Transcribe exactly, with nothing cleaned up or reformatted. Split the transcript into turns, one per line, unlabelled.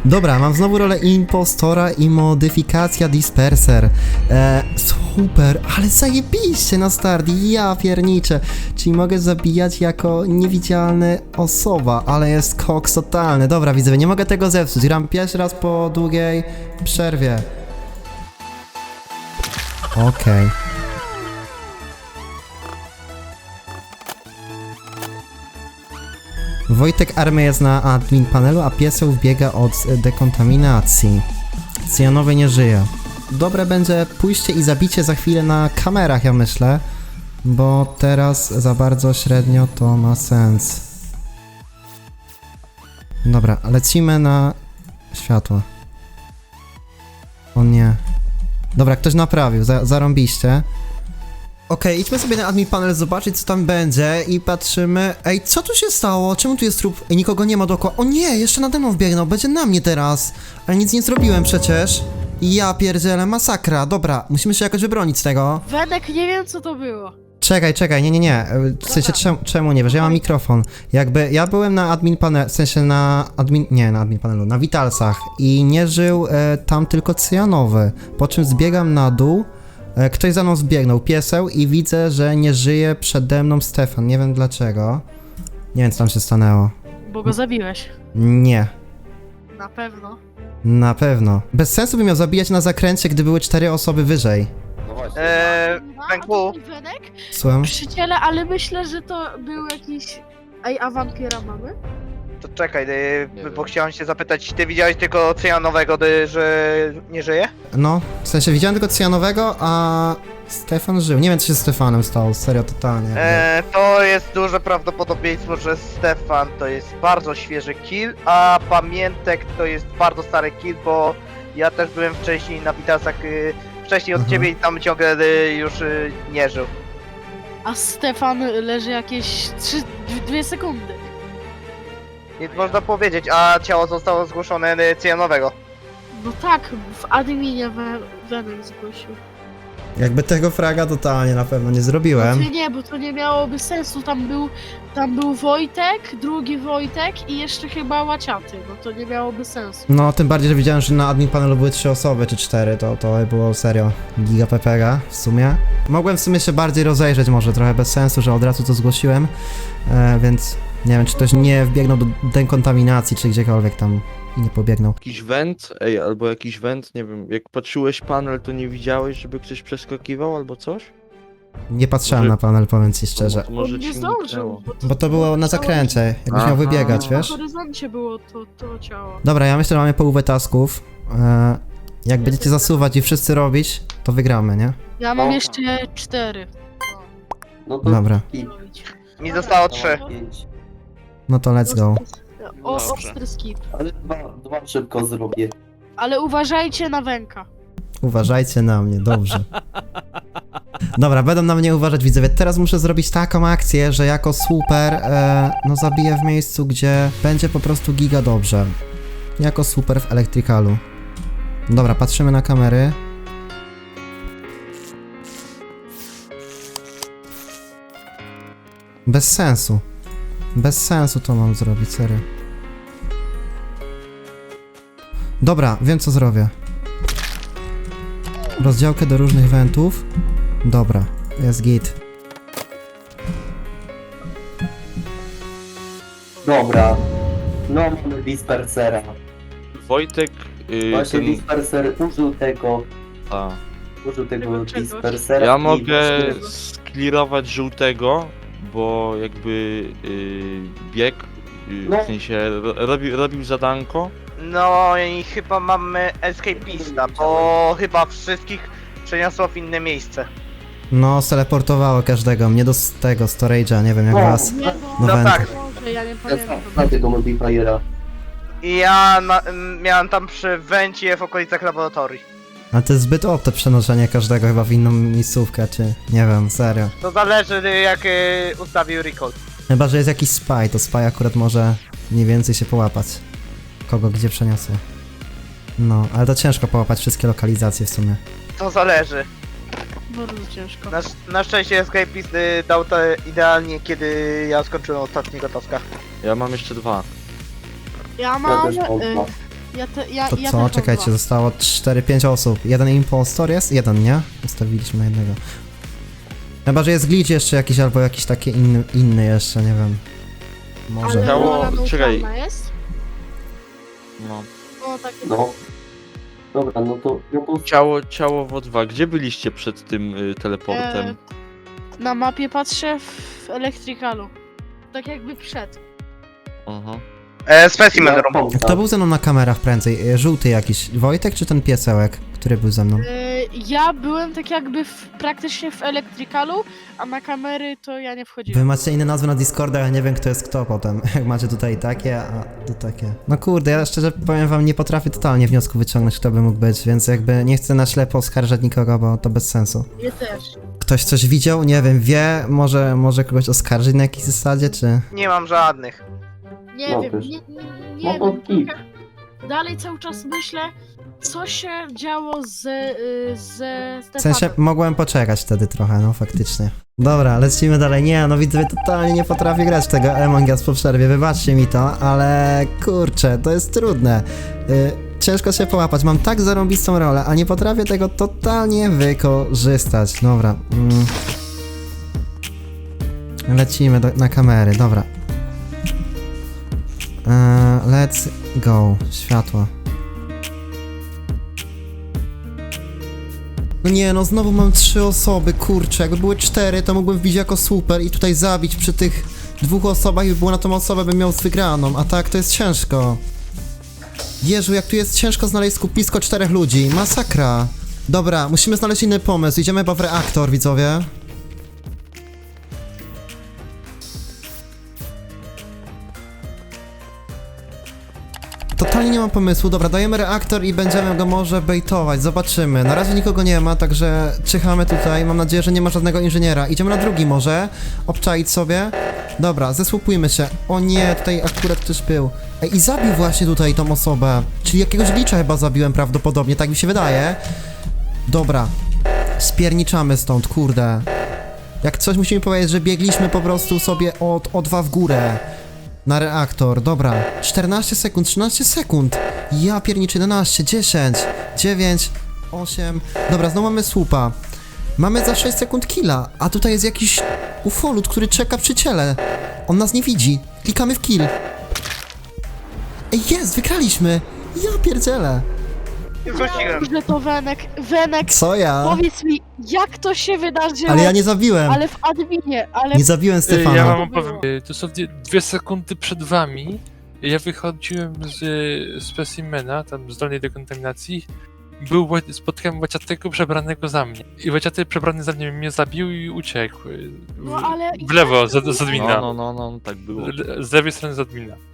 Dobra, mam znowu rolę impostora i modyfikacja disperser. E, super, ale zajebiście na start, ja pierniczę. Czyli mogę zabijać jako niewidzialny osoba, ale jest koks totalny. Dobra, widzowie, nie mogę tego zepsuć. Gram pierwszy raz po długiej przerwie. Okej. Okay. Wojtek Army jest na admin panelu, a pieseł wbiega od dekontaminacji. Cyjanowy nie żyje. Dobre będzie pójście i zabicie za chwilę na kamerach, ja myślę. Bo teraz za bardzo średnio to ma sens. Dobra, lecimy na światło. O nie. Dobra, ktoś naprawił, za zarąbiście. Okej, okay, idźmy sobie na admin panel zobaczyć, co tam będzie i patrzymy. Ej, co tu się stało? Czemu tu jest trup? Ej, nikogo nie ma dookoła. O nie, jeszcze nade mną wbiegnął, będzie na mnie teraz. Ale nic nie zrobiłem przecież. Ja pierdzielę, masakra. Dobra, musimy się jakoś wybronić z tego.
Wenek, nie wiem co to było.
Czekaj, czekaj, nie, nie, nie. W sensie czemu, czemu nie wiesz? Ja mam mikrofon. Jakby ja byłem na admin panelu, w sensie na admin, nie, na admin panelu, na Witalsach i nie żył e, tam tylko cyjanowy. Po czym zbiegam na dół. Ktoś za mną zbiegnął, pieseł, i widzę, że nie żyje przede mną Stefan. Nie wiem dlaczego. Nie wiem, co tam się stanęło.
Bo go zabiłeś.
Nie.
Na pewno.
Na pewno. Bez sensu by miał zabijać na zakręcie, gdy były cztery osoby wyżej.
No właśnie.
Eee,
A,
Węku,
to Wenek?
Słucham?
Przyjaciele, ale myślę, że to był jakiś... Ej, a wampira mamy?
to czekaj, y,
Nie
bo
wiem.
chciałem się zapytać, ty widziałeś tylko cyjanowego, y, że nie żyje?
No, w sensie widziałem tylko cyjanowego, a Stefan żył. Nie wiem, co się z Stefanem stało, serio, totalnie.
Eee, to jest duże prawdopodobieństwo, że Stefan to jest bardzo świeży kill, a Pamiętek to jest bardzo stary kill, bo ja też byłem wcześniej na Witasach, y, wcześniej od
Mhm.
ciebie i tam ciągle y, już y, nie żył.
A Stefan leży jakieś trzy, dwie sekundy.
Nie można powiedzieć, a ciało zostało zgłoszone y, cyjanowego.
No tak, w adminie we, Wenek zgłosił.
Jakby tego fraga totalnie na pewno nie
No
zrobiłem.
to nie, bo to nie miałoby sensu. Tam był, tam był Wojtek, drugi Wojtek i jeszcze chyba Łaciaty. No to nie miałoby sensu.
No, tym bardziej, że widziałem, że na admin panelu były trzy osoby, czy cztery, to, to było serio giga pepega w sumie. Mogłem w sumie się bardziej rozejrzeć, może trochę bez sensu, że od razu to zgłosiłem, e, więc nie wiem, czy ktoś nie wbiegnął do dekontaminacji, czy gdziekolwiek tam i nie pobiegnął.
Jakiś węd, ej, albo jakiś węd, nie wiem, jak patrzyłeś panel, to nie widziałeś, żeby ktoś przeskakiwał albo coś?
Nie patrzyłem
Może-
na panel, powiem ci szczerze.
To może
On nie
ci
zdążył.
umknęło.
Bo to było na zakręcie, jakbyś miał
Aha.
wybiegać, wiesz?
Na horyzoncie było to, to ciało.
Dobra, ja myślę, że mamy połowę tasków. E, jak będziecie zasuwać i wszyscy robić, to wygramy, nie?
Ja mam
No.
jeszcze cztery.
No to
Dobra,
skip.
robić.
Mi zostało trzy.
Pięć.
no to let's go.
O,
Dobrze.
ostry skip.
Ale dwa, dwa szybko zrobię.
Ale uważajcie na Węka.
Uważajcie na mnie, dobrze. Dobra, będą na mnie uważać widzowie. Teraz muszę zrobić taką akcję, że jako super, e, no zabiję w miejscu, gdzie będzie po prostu giga dobrze. Jako super w elektrykalu. Dobra, patrzymy na kamery. Bez sensu. Bez sensu to mam zrobić, serio. Dobra, wiem co zrobię. Rozdziałkę do różnych wentów. Dobra, jest git.
Dobra. No mamy dispersera.
Wojtek, yy,
Właśnie
ten,
disperser użył tego,
a,
użył tego
Tego czegoś.
dispersera.
ja
i
mogę
właśnie-
sklirować żółtego, bo jakby yy, bieg, yy,
No.
w sensie ro, robił, robił zadanko.
No i chyba mamy escapista, bo chyba wszystkich przeniosło w inne miejsce.
No, steleportowało każdego, mnie do s- tego storage'a, nie wiem jak
No.
was.
Nie,
No
bo...
węd.
tak.
Boże, ja nie
Ja
pamiętam.
znam tego modifiera.
I ja na, m, miałem tam przy węcie w okolicach laboratorii.
Ale to jest zbyt opte przenoszenie każdego chyba w inną miejscówkę, czy nie wiem, serio.
To zależy jak y, ustawił recall.
Chyba, że jest jakiś spy, to spy akurat może mniej więcej się połapać. Kogo gdzie przeniosło. No, ale to ciężko połapać wszystkie lokalizacje w sumie.
To zależy.
Bardzo ciężko.
Na, sz- na szczęście escapist y, dał to idealnie, kiedy ja skończyłem ostatniego taska.
Ja mam jeszcze dwa.
Ja
Ja
mam...
też mam
y,
dwa.
Ja te, ja,
To
ja
co?
też mam
Czekajcie,
dwa.
zostało cztery pięć osób. Jeden impostor jest? Jeden, nie? Ustawiliśmy na jednego. Chyba, że jest glitch jeszcze jakiś, albo jakiś taki inny, inny jeszcze, nie wiem. Może.
Ale
Ciało-
rola
czekaj.
neutralna jest?
No.
No tak.
No. Dobra, no to... No to...
Ciało, ciało w O dwa. Gdzie byliście przed tym y, teleportem?
E, na mapie patrzę w elektrykalu. Tak jakby przed.
Aha.
E, specimen
Ja
room.
pompa.
Kto był ze mną na kamerach prędzej? E, Żółty jakiś. Wojtek czy ten piesełek, który był ze mną?
E, ja byłem tak jakby w, praktycznie w elektrykalu, a na kamery to ja nie
Wy
wchodziłem.
macie inne nazwy na Discorda, ja nie wiem kto jest kto potem. Jak macie tutaj takie, a tu takie. No kurde, ja szczerze powiem wam, nie potrafię totalnie wniosku wyciągnąć, kto by mógł być, więc jakby nie chcę na ślepo oskarżać nikogo, bo to bez sensu.
Ja też.
Ktoś coś widział? Nie wiem, wie? Może, może kogoś oskarżyć na jakiejś zasadzie, czy...
Nie mam żadnych.
Nie
No
wiem,
też.
nie, nie,
No
nie
to
wiem.
kit.
trochę Dalej cały czas myślę, co się działo z, y, ze
W
Stefanem.
sensie mogłem poczekać wtedy trochę, no faktycznie. Dobra, lecimy dalej. Nie, no widzę, totalnie nie potrafię grać w tego Among Us po przerwie, wybaczcie mi to, ale kurczę, to jest trudne. Y, ciężko się połapać, mam tak zarąbistą rolę, a nie potrafię tego totalnie wykorzystać. Dobra. Mm. Lecimy do, na kamery, dobra. Eee, let's go. Światło. No nie, no znowu mam trzy osoby, kurczę, jakby były cztery, to mógłbym wbić jako super i tutaj zabić przy tych dwóch osobach i by było na tą osobę, bym miał z wygraną, a tak to jest ciężko. Jezu, jak tu jest ciężko znaleźć skupisko czterech ludzi, masakra. Dobra, musimy znaleźć inny pomysł, idziemy chyba w reaktor, widzowie. Totalnie nie mam pomysłu. Dobra, dajemy reaktor i będziemy go może bejtować. Zobaczymy. Na razie nikogo nie ma, także czyhamy tutaj. Mam nadzieję, że nie ma żadnego inżyniera. Idziemy na drugi może. Obczaić sobie. Dobra, zesłupujmy się. O nie, tutaj akurat ktoś był. Ej, i zabił właśnie tutaj tą osobę. Czyli jakiegoś glitcha chyba zabiłem prawdopodobnie, tak mi się wydaje. Dobra. Spierniczamy stąd, kurde. Jak coś musimy powiedzieć, że biegliśmy po prostu sobie od O dwa w górę. Na reaktor, dobra. czternaście sekund, trzynaście sekund. Ja pierniczę, jedenaście, dziesięć, dziewięć, osiem. Dobra, znowu mamy słupa. Mamy za sześć sekund killa, a tutaj jest jakiś ufolut, który czeka przy ciele. On nas nie widzi. Klikamy w kill. Ej, jest, wygraliśmy. Ja pierdzielę.
Wróciłem.
Że to Wenek. Wenek,
Co ja?
powiedz mi, jak to się wydarzyło?
Ale ja nie zabiłem.
Ale w adminie, ale...
Nie zabiłem
Y,
Stefana.
Ja wam
To było.
opowiem. Y, Dosłownie dwie sekundy przed wami ja wychodziłem z y, specimena, tam z dolnej dekontaminacji. Był, Ła- spotkałem Łaciatego przebranego za mnie. I Łaciaty przebrany za mnie mnie zabił i uciekł. y,
No ale...
W lewo, z, z
No,
admina.
no, no, no, tak było.
Z lewej strony z admina.